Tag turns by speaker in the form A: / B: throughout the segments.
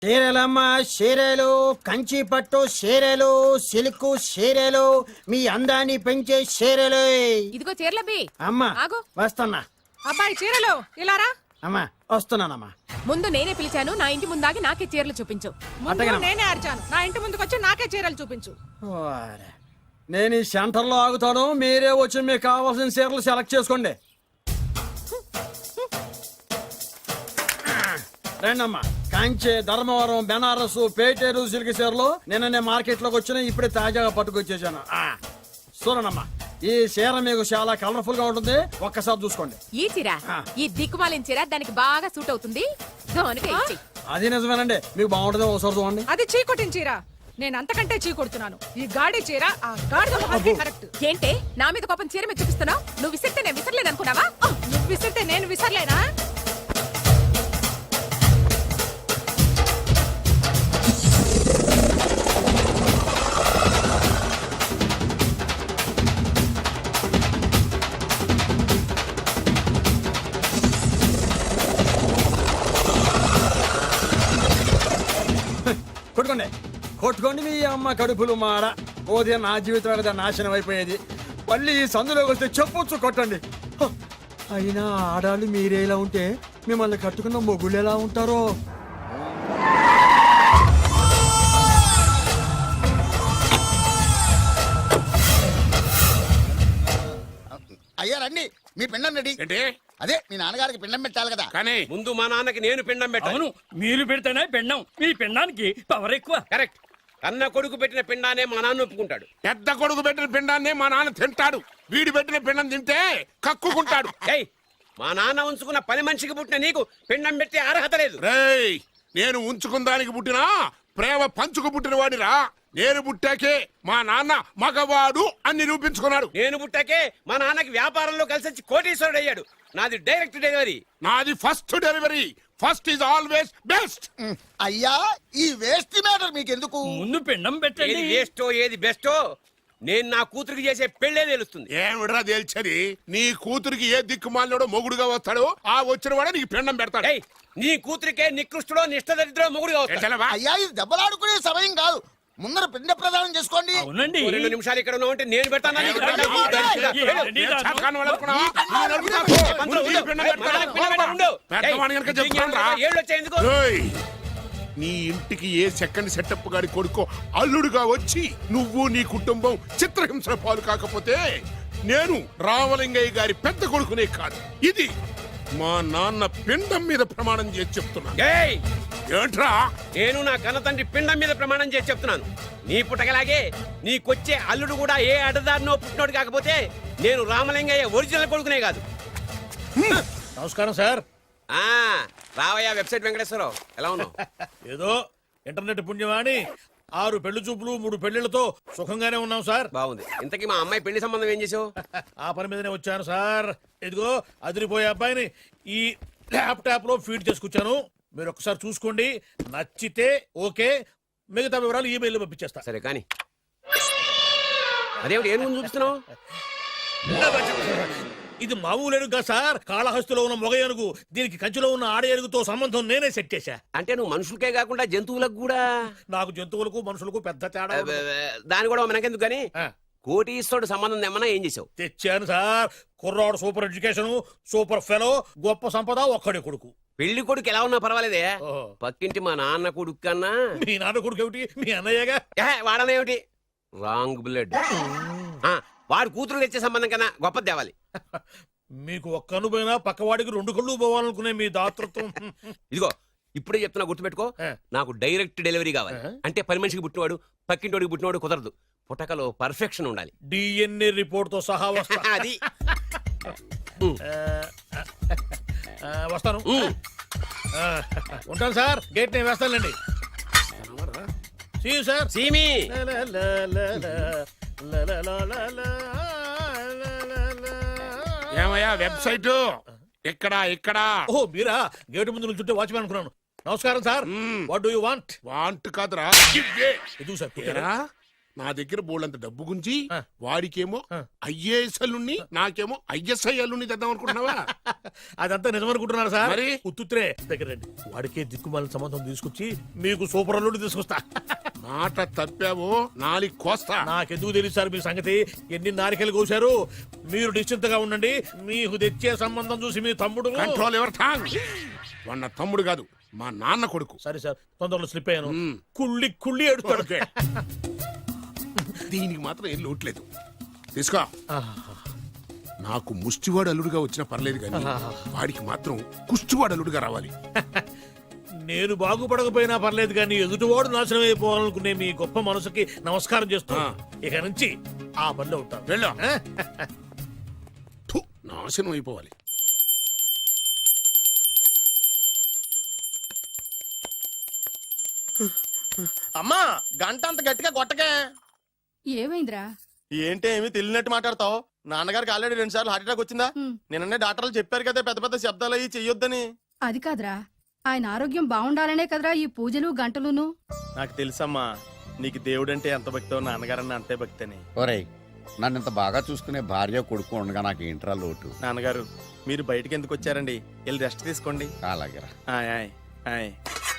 A: చీరలమ్మ చీరలు, కంచి పట్టు చీరలు, సిల్క్ చీరలు, మీ అందాన్ని పెంచే చీరలు.
B: ఇదిగో చీరలబ్బి.
A: అమ్మా
B: ఆగు.
A: వస్తున్నా.
C: అబ్బాయి చీరలు ఇలారా.
A: అమ్మా వస్తున్నానమ్మా.
B: ముందు నేనే పిలిచాను, నా ఇంటి ముందాగి నాకే చీరలు చూపించు.
C: ముందు నేనే అరిచాను, నా ఇంటి ముందుకు వచ్చి నాకే చీరలు చూపించు.
A: ఓరే, నేను ఈ సెంటర్లో ఆగుతాను, మీరే వచ్చి మీకు కావాల్సిన చీరలు సెలెక్ట్ చేసుకోండి. రండమ్మా. కాంచే, ధర్మవరం, బెనారస్, పేటేరు సిల్క్ చీరలు నిన్ననే మార్కెట్ లోకి వచ్చిన, ఇప్పుడే తాజాగా పట్టుకొచ్చేసాను. చూడండమ్మా, ఈ చీర మీకు చాలా కలర్ఫుల్ గా ఉంటుంది, ఒక్కసారి చూసుకోండి.
B: ఈ చీర, ఈ దిక్కుమాలిన చీర దానికి బాగా సూట్ అవుతుంది.
A: అది నిజమేనండి, మీకు బాగుంటుంది, ఒకసారి చూడండి.
C: అది చీకొట్టిన చీర, నేను అంతకంటే చీకొడుతున్నాను. ఈ గాడి చీర ఆ గాడిద మొహానికి కరెక్ట్.
B: ఏంటే నా మీద కోపం చీర మీద చూపిస్తున్నావు? నువ్వు విసిరితే నేను విసరలేను అనుకున్నావా?
C: నువ్వు విసిరితే నేను విసరలేనా?
A: కొట్టుకోండి కొట్టుకోండి, మీ అమ్మ కడుపులు మాడ. పోతే నా జీవితం కదా నాశనం అయిపోయేది. మళ్ళీ ఈ సందులోకి వస్తే చెప్పొచ్చు కొట్టండి. అయినా ఆడాళ్ళు మీరేలా ఉంటే మిమ్మల్ని కట్టుకున్న మొగుళ్ళు ఎలా ఉంటారో.
D: అయ్యా రండి, మీ పిండం రెడీ.
E: ఏంటి?
D: అదే మీ నాన్నగారికి పిండం పెట్టాలి కదా.
E: కానీ ముందు మా నాన్నకి నేను పిండం పెట్టాను.
F: అవును, మీరు పెడితేనే పిండం. మీ పిండానికి పవర్ ఎక్కువ.
E: కరెక్ట్. కన్న కొడుకు పెట్టిన పిండానే మా నాన్న ఒప్పుకుంటాడు. పెద్ద కొడుకు పెట్టిన పిండాన్నే మా నాన్న తింటాడు. వీడి పెట్టిన పిండం తింటే కక్కుకుంటాడు. ఏయ్, మా నాన్న ఉంచుకున్న పని మనిషికి పుట్టిన నీకు పిండం పెట్టే అర్హత లేదు. రేయ్, నేను ఉంచుకున్న దానికి పుట్టినా ప్రేమ పంచుకు పుట్టిన వాడిరా. నేను పుట్టాకే మా నాన్న మగవాడు అని నిరూపించుకున్నాడు. నేను పుట్టాకే మా నాన్నకి వ్యాపారంలో కలిసి వచ్చి కోటీశ్వరుడు అయ్యాడు. నాది డైరెక్ట్ డెలివరీ. నాది first delivery. First is always best.
D: అయ్యా, ఈ వేస్ట్ మ్యాటర్ మీకు ఎందుకు?
F: ముందు పిండం పెట్టండి.
E: ఏది వేస్టో ఏది బెస్టో నేను నా కూతురికి చేసే పెళ్లే తెలుస్తుంది. ఏమిడ్రా తేల్చది? నీ కూతురికి ఏ దిక్కుమాలినోడో మొగుడుగా వస్తాడో ఆ వచ్చిన వాడే నీకు పిండం పెడతాడు. నీ కూతురికే నికృష్టుడో నిష్ఠదరిద్రో మొగుడుగా వస్తాడు.
D: అయ్యా, ఇది దెబ్బలాడుకునే సమయం కాదు. ముందర పిండ ప్రదానం చేసుకోండి.
F: అవునండి.
E: 2 నిమిషాలు ఇక్కడ ఉన్నావంటే నేను పెడతాను. నీ ఇంటికి ఏ సెకండ్ సెటప్ గారి కొడుకో అల్లుడుగా వచ్చి నువ్వు నీ కుటుంబం చిత్రహింసల పాలు కాకపోతే నేను రామలింగయ్య గారి పెద్ద కొడుకునే కాదు, ఇది మా నాన్న పిండం మీద ప్రమాణం చేసి చెప్తున్నా. ఏంట్రా? నేను నా కన్న తండ్రి పిండం మీద ప్రమాణం చేసి చెప్తున్నాను. నీ పుట్టగలాగే నీకొచ్చే అల్లుడు కూడా ఏ అడదారినో పుట్టినోడు కాకపోతే నేను రామలింగయ్య ఒరిజినల్ కొడుకునే కాదు.
F: నమస్కారం సార్.
E: రావయ్య వెబ్సైట్ వెంకటేశ్వరరావు, ఎలా ఉన్నావు?
F: ఏదో ఇంటర్నెట్ పుణ్యమాని 6 పెళ్లి చూపులు 3 పెళ్లిళ్లతో సుఖంగానే ఉన్నాం సార్.
E: బాగుంది. ఇంతకీ మా అమ్మాయి పెళ్లి సంబంధం ఏం చేసావు?
F: ఆ పని మీదనే వచ్చాను సార్. ఇదిగో అదిరిపోయే అబ్బాయిని ఈ ల్యాప్టాప్ లో ఫీడ్ చేసుకొచ్చాను. మీరు ఒకసారి చూసుకోండి, నచ్చితే ఓకే, మిగతా వివరాలు ఈమెయిల్ పంపించేస్తా.
E: సరే కానీ అదేమిటి ఏం ముందు చూపిస్తున్నావు?
F: ఇది మామూలు ఏనుగుగా సార్, కాళహస్తిలో ఉన్న మొగ ఏనుగు. దీనికి కంచిలో ఉన్న ఆడ ఏనుగుతో సంబంధం నేనే సెట్ చేశా.
E: అంటే నువ్వు మనుషులకే కాకుండా జంతువులకు కూడా?
F: నాకు జంతువులకు మనుషులకు పెద్ద తేడా.
E: దాని కూడా మనకెందుకు గానీ కోటీశ్వరుడు సంబంధం ఏమన్నా ఏం చేసావు?
F: తెచ్చాను సార్. కుర్రాడు సూపర్ ఎడ్యుకేషన్, సూపర్ ఫెలో, గొప్ప సంపద, ఒక్కడే కొడుకు.
E: పెళ్లి కొడుకు ఎలా ఉన్నా పర్వాలేదే, పక్కింటి మా నాన్న కొడుకు కన్నా.
F: మీ నాన్న కొడుకు ఏమిటి? మీ అన్నయ్యగా.
E: వాడనేమిటి? Wrong blood. వాడు కూతురు తెచ్చే సంబంధం కన్నా గొప్పది తేవాలి.
F: మీకు ఒక్క కన్ను పోయినా పక్కవాడికి 2 కళ్ళు పోవాలనుకునే మీ దాతృత్వం.
E: ఇదిగో ఇప్పుడే చెప్తున్నా, గుర్తుపెట్టుకో. నాకు డైరెక్ట్ డెలివరీ కావాలి. అంటే పని మనిషికి పుట్టినవాడు పక్కింటోడికి పుట్టినవాడు కుదరదు. పుట్టకలో పర్ఫెక్షన్ ఉండాలి.
F: డిఎన్ఏ రిపోర్ట్ తో సహా వస్తా.
E: అది
F: వస్తాను. ఉంటాను సార్. గేట్ నేను వేస్తానండి. సార్
E: సీమి
G: ఏమయ్యా వెబ్సైట్ ఇక్కడ ఇక్కడ?
F: ఓ మీరా? గేటు ముందు చుట్టూ వాచ్మెన్ అనుకున్నాను. నమస్కారం sir. What do you want?
G: Want కాదురా,
F: ఎదుగు సార్.
G: నా దగ్గర బోళ్ళంత డబ్బు గుంచి
F: ఆ.
G: వాడికేమో ఐఏఎస్ అల్లుణ్ణి నాకేమో ఐఎస్ఐ అల్లుణ్ణి తెద్దాం అనుకుంటున్నావా?
F: అదంతా నిజమనుకుంటున్నారు సార్.
G: మరి?
F: ఉత్తుత్రే దగ్గర రండి. వాడికే దిక్కుమాలిన సంబంధం తీసుకొచ్చి మీకు సూపర్ అల్లుడు తీసుకొస్తా.
G: మాట తప్పావో నాలికి కోస్తా.
F: నాకెందుకు తెలుసు సార్ మీ సంగతి? ఎన్ని నారికలు కోశారు. మీరు నిశ్చింతగా ఉండండి. మీకు తెచ్చే సంబంధం చూసి మీ తమ్ముడు
G: కంట్రోల్ ఎవర్ థాంగ్. వాడు నా తమ్ముడు కాదు, మా నాన్న కొడుకు.
F: సరే సార్, తొందరలో స్లిప్ అయ్యాను.
G: మ్మ్.
F: కుళ్ళి కుళ్ళి ఎడుతాడు.
G: ఓకే. దీనికి మాత్రం ఏం లోట్లేదు. తీసుకో. నాకు ముష్టివాడు అల్లుడుగా వచ్చినా పర్లేదు కానీ వాడికి మాత్రం కుష్టివాడు అల్లుడుగా రావాలి.
F: నేను బాగుపడకపోయినా పర్లేదు కానీ ఎదుటివాడు నాశనం అయిపోవాలనుకునే మీ గొప్ప మనసుకి నమస్కారం చేస్తూ ఇక నుంచి ఆ పనిలో ఉంటాను.
G: వెళ్ళు. థు, నాశనం అయిపోవాలి.
H: అమ్మా గంట అంత గట్టిగా కొట్టకే.
B: ఏమైందిరా?
H: ఏంటి ఏమి తెలియనట్టు మాట్లాడతావు? నాన్నగారికి ఆల్రెడీ 2 సార్లు హార్ట్ అటాక్ వచ్చిందా? నిన్ననే డాక్టర్లు చెప్పారు కదా పెద్ద పెద్ద శబ్దాలు అయ్యి చెయ్యొద్దని.
B: అది కాదురా, ఆయన ఆరోగ్యం బాగుండాలనే కదరా ఈ పూజలు గంటలును.
H: నాకు తెలుసమ్మా నీకు దేవుడంటే ఎంత భక్తో నాన్నగారన్న అంతే భక్తి అని.
I: ఒరేయ్, నన్ను ఇంత బాగా చూసుకునే భార్య కొడుకు ఉండగా నాకు ఏంట్రా లోటు?
H: నాన్నగారు మీరు బయటికి ఎందుకు వచ్చారండి? వెళ్ళి రెస్ట్ తీసుకోండి.
I: అలాగేరా.
H: ఆయ్ ఆయ్ ఆయ్.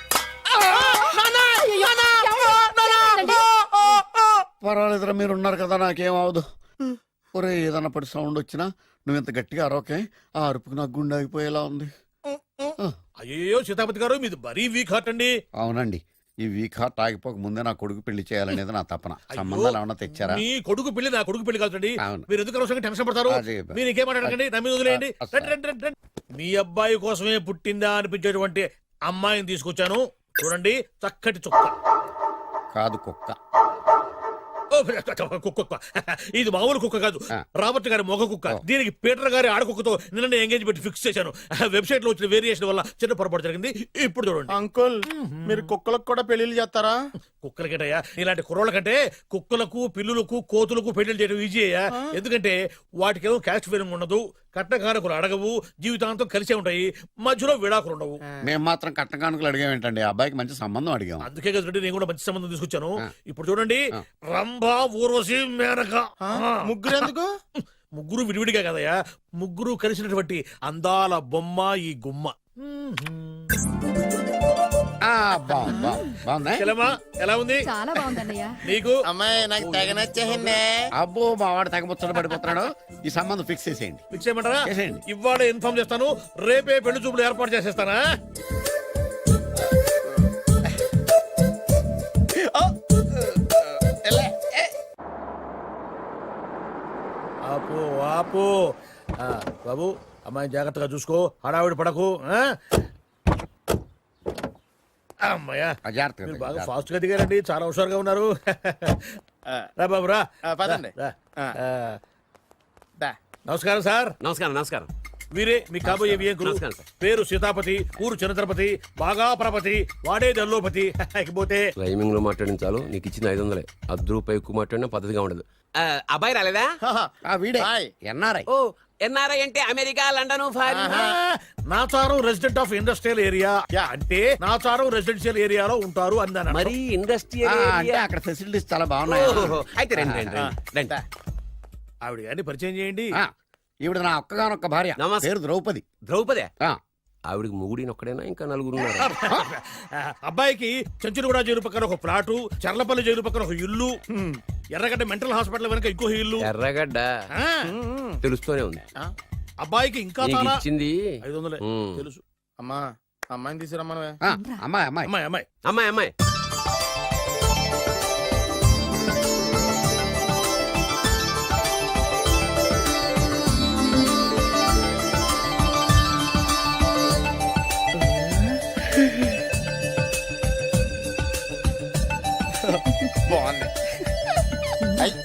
I: పర్వాలేదురా, మీరు ఉన్నారు కదా, నాకేం అవదు. ఒరే, ఏదన్నా పడి సౌండ్ వచ్చినా నువ్వు ఇంత గట్టిగా అరవకే. ఆ అరుపుకు నాకు గుండె ఆగిపోయేలా ఉంది.
F: అయ్యో సీతాపతి గారు, మీది మరీ వీక్ హార్ట్ అండి.
I: అవునండి, ఈ వీక్ హార్ట్ ఆగిపోక ముందే నా కొడుకు పెళ్లి చేయాలనేది నా తపన. సంబంధాలు ఏమన్నా తెచ్చారా?
F: మీ కొడుకు పెళ్లి నా కొడుకు పెళ్లి కాదండి.
I: అవును.
F: మీరు ఎందుకు అవసరంగా టెన్షన్ పడతారు?
I: అదే.
F: మీరు ఇంకేం మాట్లాడకండి, నా మీద వదిలేయండి.
I: అసలు.
F: రండి, రండి, రండి, రండి. మీ అబ్బాయి కోసమే పుట్టిందా అనిపించేటువంటి అమ్మాయిని తీసుకొచ్చాను. చూడండి, చక్కటి చుక్క.
I: కాదు, కుక్క.
F: ఓ, కుక్క. ఇది మామూలు కుక్క కాదు, రాబర్ట్ గారి మొగ కుక్క. దీనికి పీటర్ గారి ఆడకుక్కతో నిన్న ఎంగేజ్మెంట్ ఫిక్స్ చేశాను. వెబ్సైట్ లో వచ్చిన వేరియేషన్ వల్ల చిన్న పొరపాటు జరిగింది. ఇప్పుడు చూడండి.
H: అంకుల్ మీరు కుక్కలకు కూడా పెళ్లిళ్ళు చేస్తారా?
F: కుక్కలకేటయ్యా, ఇలాంటి కుర్రోళ్ళ కంటే కుక్కలకు, పిల్లులకు, కోతులకు పెళ్లి చేయడం ఈజీ అయ్యా. ఎందుకంటే వాటికేమో క్యాస్ట్ ఫీలింగ్ ఉండదు, కట్నకారకులు అడగవు, జీవితాంతం కలిసే ఉంటాయి, మధ్యలో విడాకులు ఉండవు.
I: మేము మాత్రం కట్న కానుకలు అడిగామేంటండి? అబ్బాయికి మంచి సంబంధం అడిగాం.
F: అందుకే కదండి నేను కూడా మంచి సంబంధం తీసుకొచ్చాను. ఇప్పుడు చూడండి, రంభా, ఊర్వశి, మేనక.
H: ముగ్గురు ఎందుకు?
F: ముగ్గురు విడివిడిగా కదయ్యా, ముగ్గురు కలిసినటువంటి అందాల బొమ్మ ఈ గుమ్మ.
I: బాగుందా?
F: చెల్లెమ్మా, ఎలా ఉంది?
B: చాలా బాగుందన్నయ్య.
F: నీకు?
H: అమ్మాయి నాకు తెగ నచ్చేసిందే.
I: అబ్బో, మా వాడు తెగబుచ్చట పడిపోతున్నాడు. ఈ సంబంధం ఫిక్స్ చేసేయండి.
F: ఫిక్స్ చేయమంటారా?
I: చేసేయండి.
F: ఇవాళ ఇన్ఫార్మ్ చేస్తాను, రేపే పెళ్లి చూపులు ఏర్పాటు చేసేస్తానా? ఆపు ఆపు. బాబు, అమ్మాయిని జాగ్రత్తగా చూసుకో, హడావిడి పడకు. అమ్మాయ్యా,
I: జాగ్రత్తగా
F: మీరు బాగా ఫాస్ట్ గా దిగారండి, చాలా హుషారుగా ఉన్నారు. రా బాబు, రా.
H: పదండి.
F: రా.
H: దా.
F: నమస్కారం సార్.
E: నమస్కారం నమస్కారం.
F: వీరే మీ కాబోయే వియంకులు.
E: నమస్కారం సార్.
F: పేరు సీతాపతి, ఊరు చంద్రపతి, బాగా ప్రపతి, వాడే దల్లోపతి. ఇకపోతే
E: రైమింగ్ లో మాట్లాడించాలు, నీకు ఇచ్చిన 500. రూపాయి ఎక్కువ మాట్లాడినా పద్ధతిగా ఉండదు. అబ్బాయి రాలేదా?
I: వీడే
H: హాయ్.
I: ఎన్ఆర్ఐ.
E: ఓ, ఎన్ఆర్ఐ అంటే America, London, foreign.
F: Nacharam resident of industrial area అంటే నాచారం రెసిడెన్షియల్ ఏరియాలో ఉంటారు అన్నాను.
E: మరి ఇండస్ట్రియల్
I: అంటే అక్కడ ఫెసిలిటీస్ చాలా బాగున్నాయి.
E: అయితే రండి రండి రండి.
F: ఆవిడ గారిని పరిచయం చేయండి.
I: ఈవిడ నా ఒక్కగానొక్క భార్య,
E: నమస్తే.
I: పేరు ద్రౌపది.
E: ద్రౌపదే?
I: ఆ,
E: ఆవిడికి ముగుడిని ఒక్కడైనా ఇంకా నలుగురు ఉన్నారు?
F: అబ్బాయికి చెంచులగూడ జైలు పక్కన ఒక ప్లాటు, చర్లపల్లి జైలు పక్కన ఒక ఇల్లు, ఎర్రగడ్డ మెంటల్ హాస్పిటల్ వెనక ఇంకో ఇల్లు.
E: ఎర్రగడ్డ
F: ఆ,
E: తెలుస్తూనే ఉంది.
F: అబ్బాయికి ఇంకా
E: నీకు
F: చాలా
E: ఇచ్చింది
F: 500
E: ఉమ్.
F: తెలుసు.
H: అమ్మా అమ్మాయిని తీసుకురమ్మనవే.
I: అమ్మాయి అమ్మాయి.
F: అమ్మాయి అమ్మాయి
E: అమ్మాయి అమ్మాయి.
H: బాగుంది. అయ్.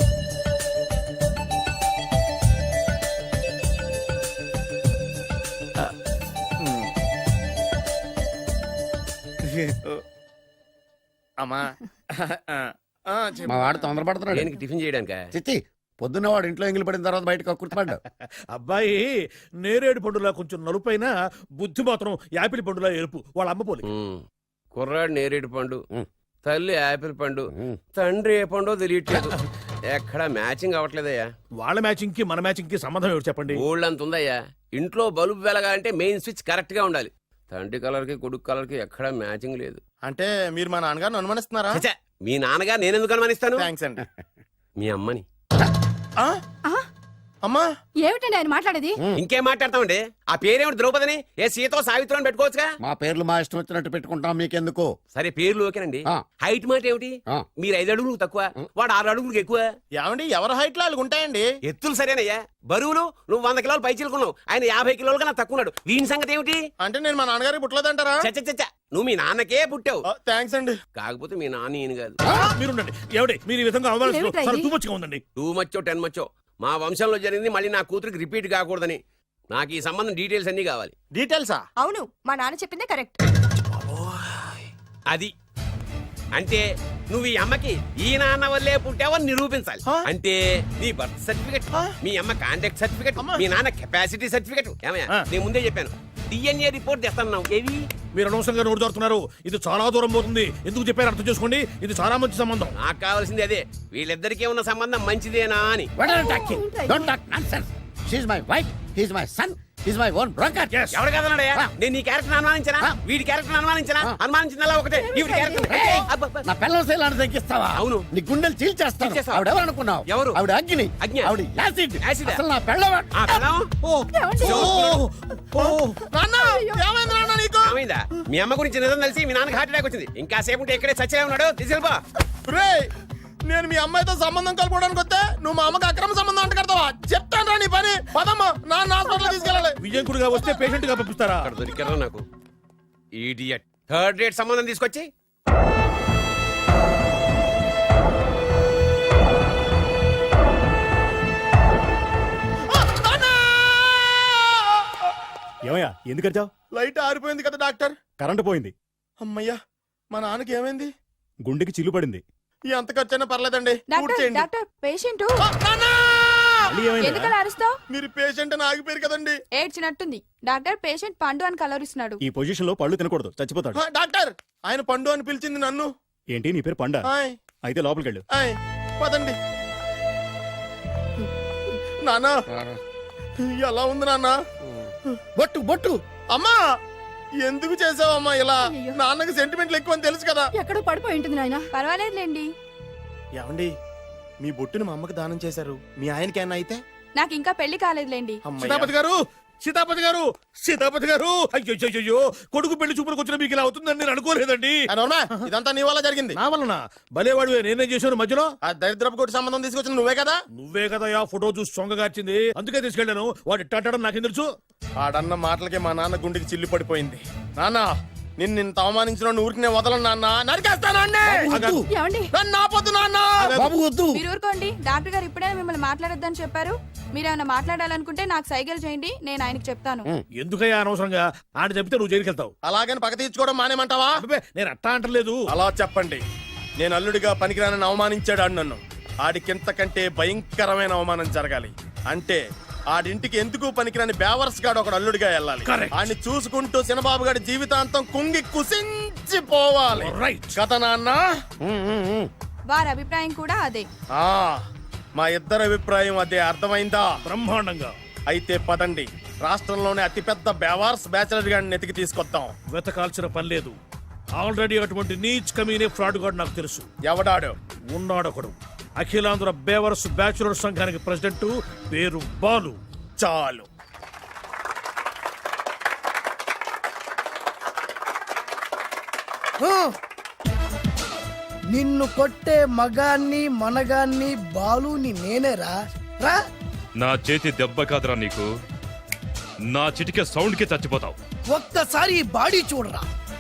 H: అమ్మా చెప్పు.
I: మా వాడు తొందరపడుతున్నాడు.
E: దేనికి టిఫిన్ చేయడానికా?
I: చిచ్చి, పొద్దున్న వాడు ఇంట్లో ఎంగిలి పడిన తర్వాత బయటకు కుర్తుపడ్డాడు.
F: అబ్బాయి నేరేడు పండులా కొంచెం నలుపైన, బుద్ధి మాత్రం యాపిల్ పండులా ఎరుపు. వాళ్ళ అమ్మ పోలి.
E: కుర్రాడు నేరేడు పండు, తల్లి యాపిల్ పండు, తండ్రి ఏ పండో తెలియట్లేదు. ఎక్కడ మ్యాచింగ్ అవ్వట్లేదయ్యా.
F: వాళ్ళ మ్యాచింగ్ కి మన మ్యాచింగ్ కి సంబంధం ఏమిటి చెప్పండి.
E: ఊళ్ళంత ఉందయ్యా. ఇంట్లో బల్బు వెలగాలంటే మెయిన్ స్విచ్ కరెక్ట్ గా ఉండాలి. తండ్రి కలర్ కి కొడుకు కలర్ కి ఎక్కడ మ్యాచింగ్ లేదు.
H: అంటే మీరు మా నాన్నగారిని అనుమానిస్తున్నారా?
E: ఛే, మీ నాన్నగా నేనెందుకు అనుమానిస్తాను?
H: థ్యాంక్స్ అండి.
E: మీ అమ్మని.
H: ఆ? అమ్మా
B: ఏమిటండి ఆయన మాట్లాడేది?
E: ఇంకేం మాట్లాడతామండి? ఆ పేరేమిటి ద్రౌపదిని? ఏ సీతో సావిత్రం పెట్టుకోవచ్చుగా.
I: మా పేర్లు మా ఇష్టం వచ్చినట్టు పెట్టుకుంటాం, మీకెందుకు?
E: సరే పేర్లు ఓకేనండి.
I: ఆ.
E: హైట్ మాట ఏమిటి?
I: ఆ.
E: మీరు 5 అడుగులు తక్కువ, వాడు 6 అడుగులకు ఎక్కువ.
H: ఏమండి ఎవరి హైట్ లో వాళ్ళకి ఉంటాయండి.
E: ఎత్తులు సరేనయ్యా. బరువులు నువ్వు 100 కిలోలు పై చిలుకున్నావు, ఆయన 50 కిలోలు కన్నా తక్కువ ఉన్నాడు. వీని సంగతి ఏమిటి?
H: అంటే నేను మా నాన్నగారికి పుట్టలేదంటారా?
E: చచ్చ నువ్వు మీ నాన్నకే పుట్టావు.
H: థ్యాంక్స్ అండి.
E: కాకపోతే మీ నాన్న ఈయన కాదు.
F: మీరుండండి. ఏమిటి మీరు ఈ విధంగా
B: ఏమిటా ఇది?
F: అవమానిస్తూ ఉందండి.
E: 2 మచ్చో 10 మచ్చో మా వంశంలో జరిగింది మళ్ళీ నా కూతురికి రిపీట్ కాకూడదని. నాకు ఈ సంబంధం డీటెయిల్స్ అన్ని కావాలి.
H: డీటెయిల్సా?
J: అవును మా నాన్న చెప్పిందే కరెక్ట్.
E: అది అంటే నువ్వు ఈ అమ్మకి ఈ నాన్న వల్లే పుట్టావని నిరూపించాలి. అంటే నీ బర్త్ సర్టిఫికెట్, మీ అమ్మ కాంటాక్ట్ సర్టిఫికెట్, మీ నాన్న కెపాసిటీ సర్టిఫికెట్. ఏమయ్యా నేను ముందే చెప్పాను, DNA రిపోర్ట్ తెస్తాను. ఏవి
F: మీరు అనవసరంగా నోటు దొరుకుతున్నారు. ఇది చాలా దూరం పోతుంది. ఎందుకు చెప్పారు అర్థం చేసుకోండి. ఇది చాలా మంచి సంబంధం.
E: నాకు కావాల్సింది అదే, వీళ్ళిద్దరికీ ఉన్న సంబంధం మంచిదేనా అని.
I: Don't talk nonsense. She's my wife, he's my son, he's my own broker.
E: ఎవరు కదన్నాడయ్యా? నేను నీ క్యారెక్టర్ అనుమానించనా? వీడి క్యారెక్టర్ అనుమానించనా? అనుమానించిందల్లా ఒకటే. వీడి క్యారెక్టర్
I: నా పిల్లల శైలాన్ని తగ్గిస్తావా?
E: అవును.
I: నీ గుండెలు చీల్చేస్తాను.
E: చీల్చేస్తావా?
I: ఆవిడ ఎవరు అనుకున్నావు?
E: ఎవరు?
I: ఆవిడ అగ్ని.
E: అగ్ని?
I: ఆవిడ యాసిడ్.
E: యాసిడా?
I: అసలు నా పిల్లవా?
E: ఆ పిల్లం?
H: నాన్న ఏమైంది నాన్న నీకు?
E: ఏమైందా? మీ అమ్మ గురించి నిజం తెలిసి మీ నాన్నకి హార్ట్ అటాక్ వచ్చింది. ఇంకా సేపు ఉంటే ఇక్కడే చచ్చే ఉన్నాడు. తీసుకెళ్ళిపో.
H: రేయ్, నేను మీ అమ్మాయితో సంబంధం కలుపుకోవడానికి వస్తే నువ్వు మా అమ్మకి అక్రమ సంబంధం అంట కడతావా? చెప్తాను రా నీ పని. పదమ్మా, నాన్న హాస్పిటల్ తీసుకెళ్ళాలి.
F: విజయకుడిగా వస్తే పేషెంట్ గా పంపిస్తారా?
E: అక్కడ దొరికారా నాకు ఈడియట్. 3rd రేట్ సంబంధం తీసుకొచ్చి
K: ఏమయ్యా ఎందుకు వచ్చావు?
H: లైట్ ఆరిపోయింది కదా డాక్టర్.
K: కరెంటు పోయింది.
H: అమ్మయ్యా, మా నాన్నకి ఏమైంది?
K: గుండెకి చిల్లు పడింది.
H: ఎంత ఖర్చైనా పర్లేదండి. పూర్తి చేయండి.
J: డాక్టర్ పేషెంట్
H: నాన్న!
K: మళ్ళీ ఏమైందిరా?
J: ఎందుకలా అరుస్తావు?
H: మీరు పేషెంట్ అని ఆగిపోయారు కదండి.
J: ఏడ్చినట్టుంది. డాక్టర్ పేషెంట్ పండు అని కలవరిస్తున్నాడు.
K: ఈ పొజిషన్ లో పళ్ళు తినకూడదు, చచ్చిపోతాడు.
H: డాక్టర్, ఆయన పండు అని పిలిచింది నన్ను.
K: ఏంటి నీ పేరు పండా?
H: ఆయ్,
K: అయితే లోపలికి వెళ్ళు.
H: ఆయ్, పదండి. నాన్న ఎలా ఉంది నాన్న?
I: బొట్టు బొట్టు.
H: అమ్మా ఎందుకు చేసావమ్మా ఇలా? నాన్నకి సెంటిమెంట్లు ఎక్కువ అని తెలుసు కదా.
B: ఎక్కడో పడిపోయి ఉంటుంది నాయన.
J: పర్వాలేదులేండి.
H: ఏమండి, మీ బొట్టుని మా అమ్మకి దానం చేశారు. మీ ఆయనకి ఏమన్నా అయితే?
J: నాకు ఇంకా పెళ్లి కాలేదులేండి.
H: అమ్మయ్య.
F: సీతాపతి గారు, సీతాపతి గారు, సీతాపతి గారు. అయ్యో, కొడుకు పెళ్లి చూపులకు వచ్చిన మీకు ఇలా అవుతుందని నేను అనుకోలేదండి.
H: ఆ నోర్మా, ఇదంతా నీ వల్ల జరిగింది.
F: నా వలన భలేవాడు. నేనేం చేశాను మధ్యలో?
H: ఆ దరిద్రపు కొట్టి సంబంధం తీసుకొచ్చిన నువ్వే కదా.
F: నువ్వే కదా ఆ ఫోటో చూసి సొంగగార్చింది. అందుకే తీసుకెళ్ళాను. వాడు ఇట్టాడడం నాకేం తెలుసు?
H: ఆడన్న మాటలకి మా నాన్న గుండెకి చిల్లు పడిపోయింది. నాన్న, నిన్ను ఇంత అవమానించిన ఊరికి నేను వదలను నాన్న. నరికేస్తానండి.
B: ఏమండి?
H: నన్ను ఆపొద్దు నాన్న.
I: బాబు వద్దు.
J: మీరు ఊరుకోండి. డాక్టర్ గారు ఇప్పుడే మిమ్మల్ని మాట్లాడొద్దని చెప్పారు. మీరేమైనా మాట్లాడాలనుకుంటే నాకు సైగలు చేయండి, నేను ఆయనకి చెప్తాను.
F: ఎందుకయ్యా అనవసరంగా? ఆయన చెప్తే నువ్వు జైలుకి వెళ్తావు.
H: అలాగని పక్క తీర్చుకోవడం మానేమంటావా?
F: అబ్బే, నేను అట్టా అంటలేదు.
H: అలా చెప్పండి. నేను అల్లుడిగా పనికిరానని అవమానించాడు ఆడు నన్ను. ఆడికింతకంటే భయంకరమైన అవమానం జరగాలి. అంటే ఆడింటికి ఎందుకు పనికిరాని బేవర్స్ గాడు ఒకడు అల్లుడిగా వెళ్ళాలి.
F: Correct.
H: ఆడిని చూసుకుంటూ చిన్నబాబు గారి జీవితాంతం కుంగి కుసించిపోవాలి.
F: Right.
H: కదా నాన్న?
J: వారి అభిప్రాయం కూడా అదే.
H: ఆ, మా ఇద్దరి అభిప్రాయం అదే. అర్థమైందా?
F: బ్రహ్మాండంగా.
H: అయితే పదండి, రాష్ట్రంలోనే అతిపెద్ద బేవార్స్ బ్యాచిలర్ గాడిని ఎతికి తీసుకొద్దాం.
F: వెతకాల్సిన పని లేదు. ఆల్రెడీ అటువంటి నీచ్ కమీనే ఫ్రాడ్ గాడు నాకు తెలుసు.
H: ఎవడాడు?
F: ఉన్నాడొకడు. అఖిలాంధ్ర బేవర్స్ బ్యాచులర్ సంఘానికి ప్రెసిడెంట్, పేరు బాలు.
H: చాలు.
L: నిన్ను కొట్టే మగాన్ని మనగాన్ని బాలుని నేనేరా. రా.
K: నా చేతి దెబ్బ కాదురా నీకు, నా చిటికే సౌండ్ కి చచ్చిపోతావు.
L: ఒక్కసారి ఈ బాడీ చూడరా.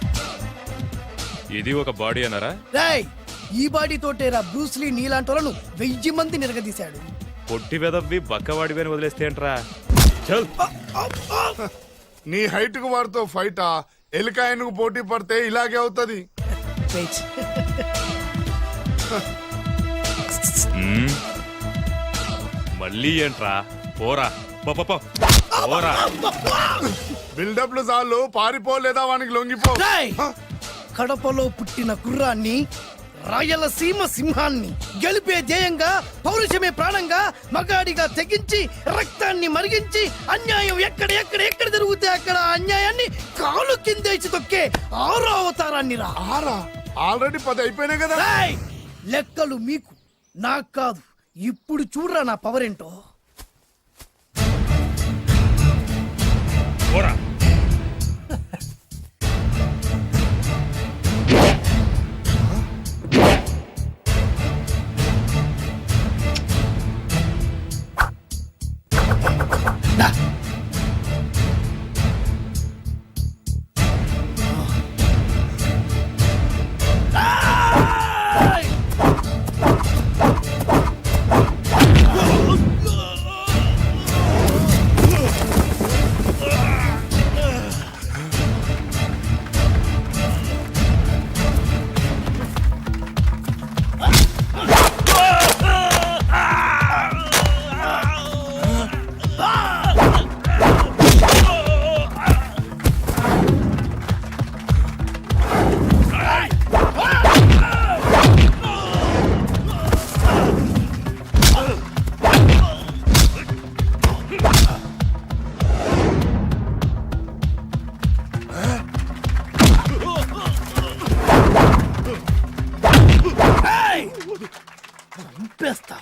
K: ఇది ఒక బాడీ అన్నారా?
L: రాయ్, ఈ బాడీ తోటేరా బ్రూస్లీ నీలాంటి వాళ్ళను 1000 మంది నిరగదీశాడు.
K: పొట్టి వెదవ్వి బక్కవాడివి అని వదిలేస్తే ఏంట్రా? చల్.
G: నీ హైట్ కు వారితో ఫైటా? ఎలికాయనకు పోటీ పడితే ఇలాగే అవుతుంది.
L: వెయిట్.
K: మళ్ళీ ఏంట్రా? పోరా, పోరా.
G: బిల్డప్లు చాలు, పారిపో లేదా వానికి లొంగిపో.
L: రాయ్, కడపలో పుట్టిన కుర్రాన్ని, రాయలసీమ సింహాన్ని గెలిపే ధ్యేయంగా, పౌరుషమే ప్రాణంగా, మగాడిగా తెగించి రక్తాన్ని మరిగించి అన్యాయం ఎక్కడ ఎక్కడ ఎక్కడ జరుగుతే అక్కడ అన్యాయాన్ని కాలు కిందేసి తొక్కే ఆరో అవతారాన్ని రా.
G: ఆల్రెడీ 10 అయిపోయినాయి కదా.
L: రేయ్! లెక్కలు మీకు, నాకు కాదు. ఇప్పుడు చూడరా నా పవర్ ఏంటో.
K: పోరా.
L: చంపేస్తా.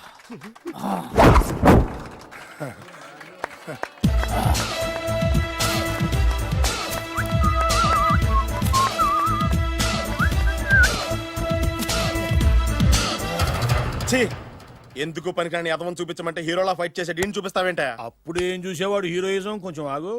H: ఛీ! ఎందుకు పనికిరాని అదవం చూపించమంటే హీరోలా ఫైట్ చేసే డీన్ చూపిస్తావేంట?
F: అప్పుడేం చూసేవాడు హీరోయిజం, కొంచెం ఆగు.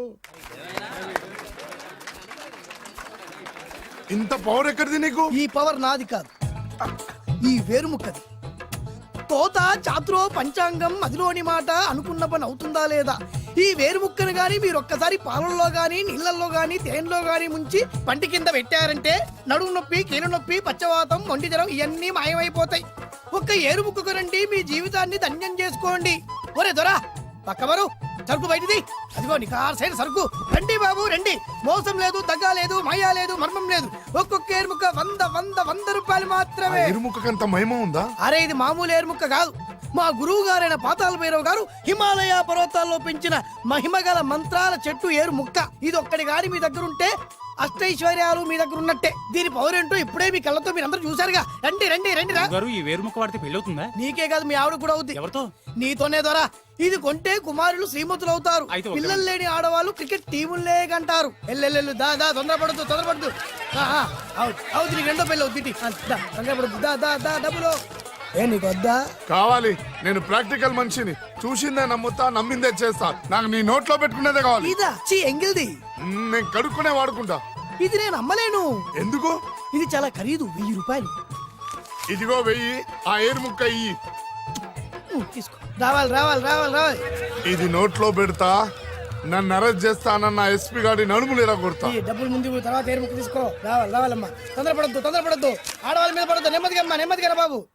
G: ఇంత పవర్ ఎక్కడిది నీకు?
L: ఈ పవర్ నాది కాదు, ఈ వేరుముక్కది. తోత చాతురో పంచాంగం అదిలోని మాట అనుకున్న పని అవుతుందా లేదా? ఈ వేరుముక్కను గాని మీరు ఒక్కసారి పాలల్లో గాని నీళ్లలో గాని తేనెలో గాని ముంచి పంటి కింద పెట్టారంటే నడుము నొప్పి, కీలు నొప్పి, పచ్చవాతం, ఒంటి జ్వరం ఇవన్నీ మాయమైపోతాయి. ఒక్క ఏరుముక్కకు రండి, మీ జీవితాన్ని ధన్యం చేసుకోండి. ఒరే దొరా పక్కవరు, సరుకు బయటిది. అదిగో నికార్సైన సరుకు. రండి బాబు రండి, మోసం లేదు, దగ్గ లేదు, మాయా లేదు, మర్మం లేదు. ఒక్కొక్క ఏరుముక్క 100 రూపాయలు మాత్రమే.
G: ఇరుముఖకంత మహిమ ఉందా?
L: అరే ఇది మామూలు ఏరుముక్క కాదు. మా గురువు గారైన పాతాళ భైరవ్ గారు హిమాలయ పర్వతాల్లో పెంచిన మహిమగల మంత్రాల చెట్టు ఏరు ముక్క. ఇది ఒక్కడి గాని మీ దగ్గర ఉంటే అష్టైశ్వర్యాలు మీ దగ్గర ఉన్నట్టే. దీని పవర్ ఏంటో ఇప్పుడే మీ కళ్ళతో మీరు అందరూ చూసారుగా. రండి రండి రండి రా.
F: ఈ వేరుముక్క వాడితే పెళ్ళవుతుందా?
L: నీకే కాదు, మీ ఆవిడ కూడా అవుద్ది.
F: ఎవరితో?
L: నీతోనే ద్వారా. ఇది కొంటే కుమారులు శ్రీమంతులు అవుతారు. పిల్లలు లేని ఆడవాళ్ళు క్రికెట్ టీములే కంటారు. ఎల్లెల్లెల్లు దా దా, తొందరపడద్దు. అవుతుంది, నీకు రెండో పెళ్ళి అవుతుంది. తొందరపడద్దు, దా దా దా, డబ్బులు ఏ నీకు వద్దా?
G: కావాలి. నేను ప్రాక్టికల్ మనిషిని. చూసిందే నమ్ముతా, నమ్మిందే చేస్తా. నాకు నీ నోట్లో పెట్టుకునేదే కావాలి.
L: ఇదా చీ ఎంగిల్ది.
G: నేను కడుక్కునే వాడుకుంటా.
L: ఇది నేను అమ్మలేను.
G: ఎందుకు?
L: ఇది చాలా ఖరీదు, 1000 రూపాయలు.
G: ఇదిగో 1000, ఆ ఏరు ముక్క ఇయ్యి.
L: తీసుకో. రావాలి.
G: ఇది నోట్లో పెడతా, నన్ను అరెస్ట్ చేస్తానన్న ఎస్పీ గారి నడుములు ఇలా కొడతా.
L: ఈ డబ్బులు ముందు తర్వాత ఏరు ముక్క తీసుకో. రావాలమ్మా. తొందరపడద్దు. ఆడవాళ్ళ మీద పడద్దు. నెమ్మదిగా రా బాబు.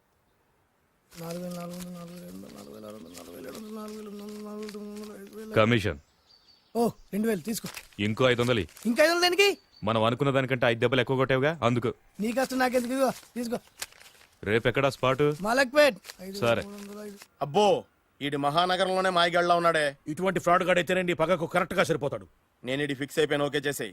K: కమిషన్
L: ఓ 2000 తీసుకో.
K: ఇంకో 500.
L: ఇంకా 500 దేనికి?
K: మనం అనుకున్న దానికంటే 5 దెబ్బలు ఎక్కువ కొట్టావుగా, అందుకు.
L: నీ కష్టం నాకెందుకు? ఇదిగో తీసుకో.
K: రేపెక్కడా స్పాటు?
L: మలక్పేట్.
K: సరే.
H: అబ్బో, ఈడి మహానగరంలోనే మాయగాళ్ళ ఉన్నాడే.
F: ఇటువంటి ఫ్రాడ్ గాడు అయితేనండి పగకు కరెక్ట్ గా సరిపోతాడు.
H: నేను ఇది ఫిక్స్ అయిపోయాను, ఓకే చేసేయి.